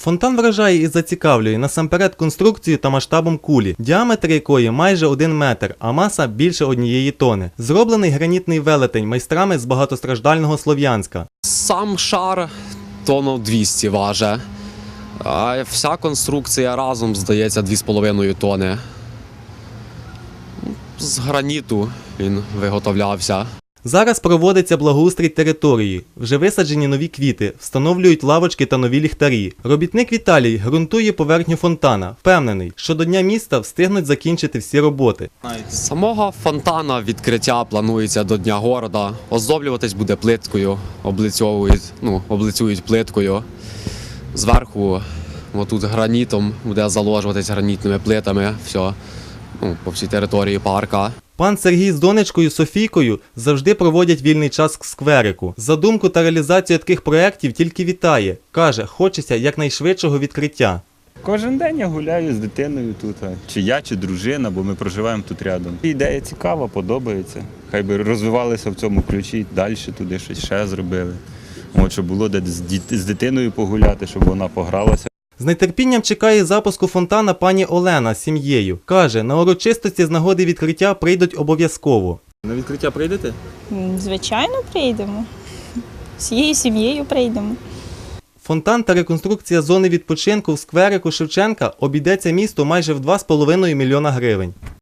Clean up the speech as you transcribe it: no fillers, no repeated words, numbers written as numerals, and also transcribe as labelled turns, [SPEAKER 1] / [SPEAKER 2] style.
[SPEAKER 1] Фонтан вражає і зацікавлює насамперед конструкцією та масштабом кулі, діаметр якої майже 1 метр, а маса більше 1 тони. Зроблений гранітний велетень майстрами з багатостраждального Слов'янська.
[SPEAKER 2] Сам шар тонн 200 важить, а вся конструкція разом, здається, 2,5 тони. З граніту він виготовлявся.
[SPEAKER 1] Зараз проводиться благоустрій території. Вже висаджені нові квіти, встановлюють лавочки та нові ліхтарі. Робітник Віталій ґрунтує поверхню фонтана. Впевнений, що до Дня міста встигнуть закінчити всі роботи.
[SPEAKER 2] Самого фонтана відкриття планується до Дня города. Оздоблюватись буде плиткою, облицюють плиткою. Зверху отут гранітом буде заложуватись гранітними плитами. Все, по всій території парка.
[SPEAKER 1] Пан Сергій з донечкою Софійкою завжди проводять вільний час в скверику. Задумку та реалізацію таких проєктів тільки вітає. Каже, хочеться якнайшвидшого відкриття.
[SPEAKER 3] Кожен день я гуляю з дитиною тут, чи я, чи дружина, бо ми проживаємо тут рядом. Ідея цікава, подобається. Хай би розвивалися в цьому ключі, далі туди щось ще зробили. От, щоб було де з дитиною погуляти, щоб вона погралася.
[SPEAKER 1] З нетерпінням чекає запуску фонтана пані Олена з сім'єю. Каже, на урочистості з нагоди відкриття прийдуть обов'язково.
[SPEAKER 4] На відкриття прийдете?
[SPEAKER 5] Звичайно, прийдемо. Всією сім'єю прийдемо.
[SPEAKER 1] Фонтан та реконструкція зони відпочинку в скверику Шевченка обійдеться місту майже в 2,5 мільйона гривень.